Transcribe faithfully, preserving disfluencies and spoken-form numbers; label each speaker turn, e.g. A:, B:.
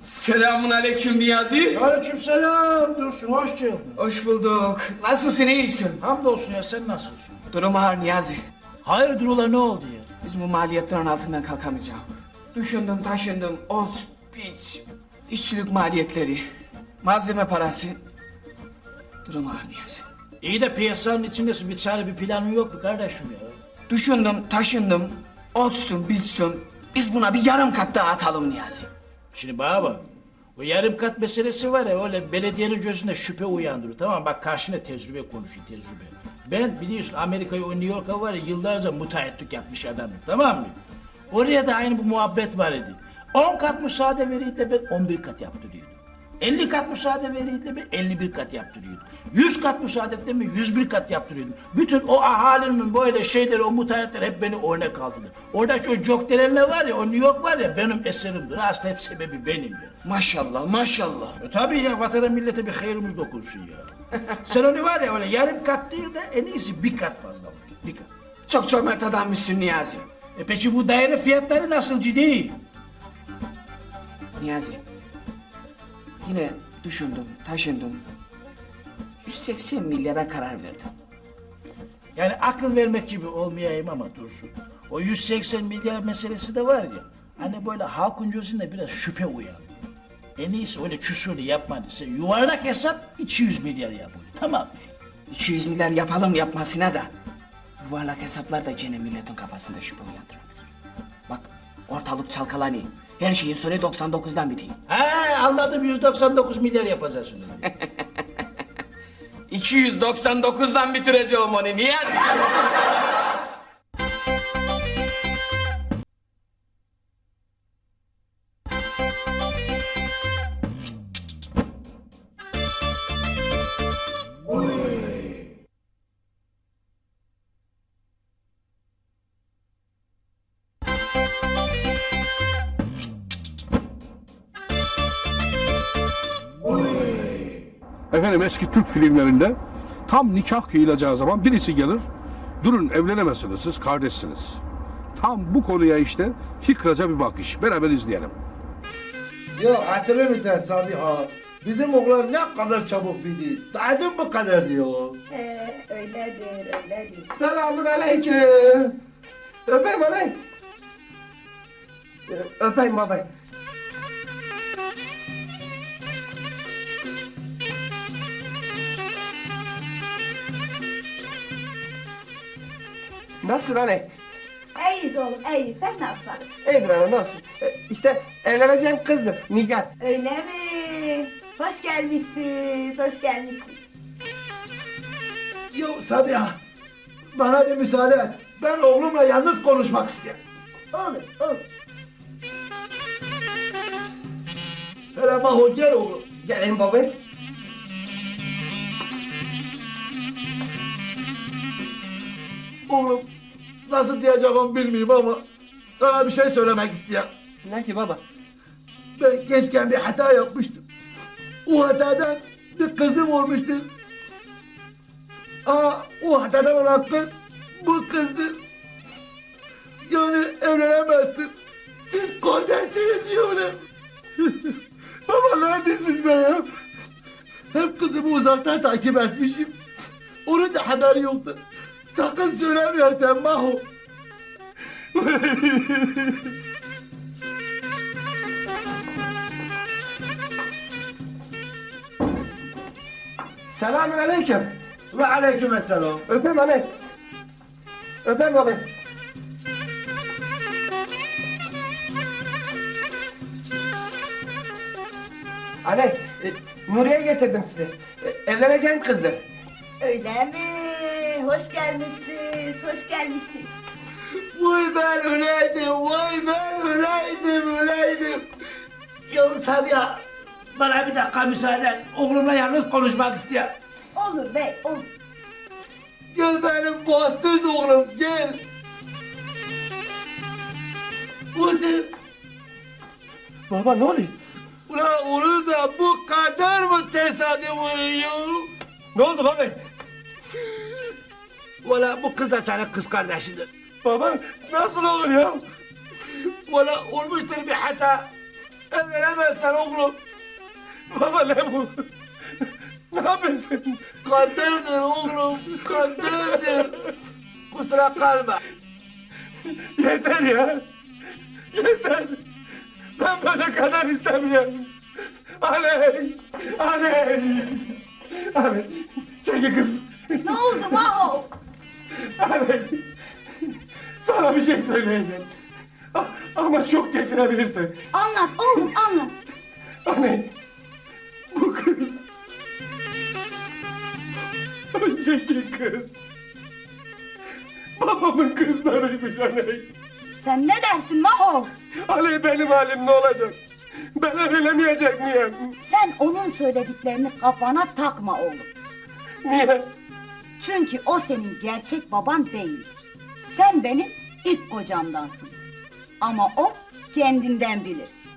A: Selamun aleyküm Niyazi.
B: Aleykümselam Dursun, hoş geldin.
A: Hoş bulduk. Nasılsın, iyisin?
B: Hamdolsun ya, sen nasılsın?
A: Durum ağır Niyazi.
B: Hayırdır ula, ne oldu ya?
A: Biz bu maliyetlerin altından kalkamayacağız. Düşündüm, taşındım, ot, biç, işçilik maliyetleri, malzeme parası. Durum ağır Niyazi.
B: İyi de piyasanın içindesin, bir çare bir planın yok mu kardeşim ya?
A: Düşündüm, taşındım, otstum, biçtim. Biz buna bir yarım kat daha atalım Niyazi.
B: Şimdi bana bak, o yarım kat meselesi var ya, öyle belediyenin gözünde şüphe uyandırır, tamam mı? Bak karşına tecrübe konuşuyor, tecrübe. Ben biliyorsun Amerika'yı, o New York'a var ya, yıllarca müteahhitlik yapmış adamım, tamam mı? Oraya da aynı bu muhabbet var idi. On kat müsaade veriydi ben on bir kat yaptırıyordum. elli kat müsaade veriydi ben elli bir kat yaptırıyordum. yüz kat müsaade etti mi yüz bir kat yaptırıyordum. Bütün o ahalinin böyle şeyleri, o müteahhitler hep beni örnek aldılar. Oradaki o Jokterenler var ya, o New York var ya, benim eserimdir. Aslında hep sebebi benim ya.
A: Maşallah, maşallah.
B: E tabii ya, vatana millete bir hayrımız dokunsun ya. Sen onu var ya, öyle yarım kat değil de en iyisi bir kat fazla. Bir kat.
A: Çok cömert adammışsın Niyazi.
B: E peki bu daire fiyatları nasıl, ciddi?
A: Niyazi, yine düşündüm, taşındım. yüz seksen milyara karar verdim.
B: Yani akıl vermek gibi olmayayım ama Dursun. O yüz seksen milyar meselesi de var ya, hani böyle halkın gözünde biraz şüphe uyandı. En iyisi öyle çusurlu yapma. Sen yuvarlak hesap iki yüz milyar yap onu, tamam mı?
A: iki yüz milyar yapalım yapmasına da yuvarlak hesaplar da gene milletin kafasında şüphe uyandırabilir. Bak, ortalık çalkalanıyor. Her şeyin sonu doksan dokuzdan bitiyor.
B: Ha anladım, yüz doksan dokuz milyar yapacağız onu.
A: iki yüz doksan dokuzdan bitireceğim onu Niyazi.
C: Efendim eski Türk filmlerinde tam nikah kıyılacağı zaman birisi gelir. Durun, evlenemezsiniz, siz kardeşsiniz. Tam bu konuya işte fikraca bir bakış. Beraber izleyelim.
D: Ya hatırlıyor musun Sabiha? Bizim oğlan ne kadar çabuk bildi. Daydın bu kadar diyor.
E: Ee, öyledir, öyledir.
F: Selamun aleyküm. Öpeyim alay. Öpeyim baba. Nasılsın anne?
E: İyiyiz oğlum, iyiyiz. Sen nasılsın?
F: İyidir anne, nasılsın? Ee, İşte evleneceğim kızdır, Nigar.
E: Öyle mi? Hoş gelmişsiniz, hoş gelmişsiniz.
D: Ya Sabiha, bana bir müsaade et. Ben oğlumla yalnız konuşmak istiyorum.
E: Olur, olur.
D: Hele Maho gel oğlum.
F: Gelin baba.
D: Oğlum, nasıl diyeceğim bilmiyorum ama sana bir şey söylemek istiyorum.
F: Ne ki baba?
D: Ben gençken bir hata yapmıştım. O hatadan bir kızım olmuştur. Aa, o hatadan olan kız bu kızdır. Yani evlenemezsiniz. Siz kardeşsiniz diyorum. Baba neredesin sen ya? Hep kızımı uzaktan takip etmişim. Onun da haberi yoktu. Sakın söylemiyorsan Maho.
F: Selamun aleyküm.
D: Ve aleykümselam.
F: Öpeyim anne. Öpeyim baba. Anne, e, Nuriye getirdim size. E, evleneceğim kızdır.
E: Öyle mi? Hoş gelmişsiniz, hoş gelmişsiniz.
D: Vay ben öleydim, vay ben öleydim, öleydim. Ya Sabiha, bana bir dakika müsaade et. Oğlumla yalnız konuşmak istiyorum.
E: Olur bey, olur.
D: Gel benim bahtsız oğlum, gel. Otur.
F: Baba ne oluyor?
D: Ulan onu da bu kadar mı tesadüf oluyor?
F: Ne oldu baba?
D: Valla bu kız da senin kız kardeşidir.
F: Baba nasıl olur ya?
D: Valla olmuştur bir hata. Evlenemezsen oğlum. Baba ne bu? Ne yapıyorsun? Kaderdir oğlum, kaderdir. Kusura kalma. Yeter ya. Yeter. Ben böyle kader istemiyorum. Anne, anne. Anne, çekil kız.
E: Ne oldu Maho?
D: Anne, sana bir şey söyleyeceğim. A- Ama çok geçirebilirsin.
E: Anlat oğlum anlat.
D: Anne, bu kız... Önceki kız... Babamın kızlarıymış anne.
E: Sen ne dersin Maho?
D: Anne benim halim ne olacak? Ben evlenemeyecek miyim?
E: Sen onun söylediklerini kafana takma oğlum.
D: Niye?
E: Çünkü o senin gerçek baban değildir. Sen benim ilk kocamdansın. Ama o kendinden bilir.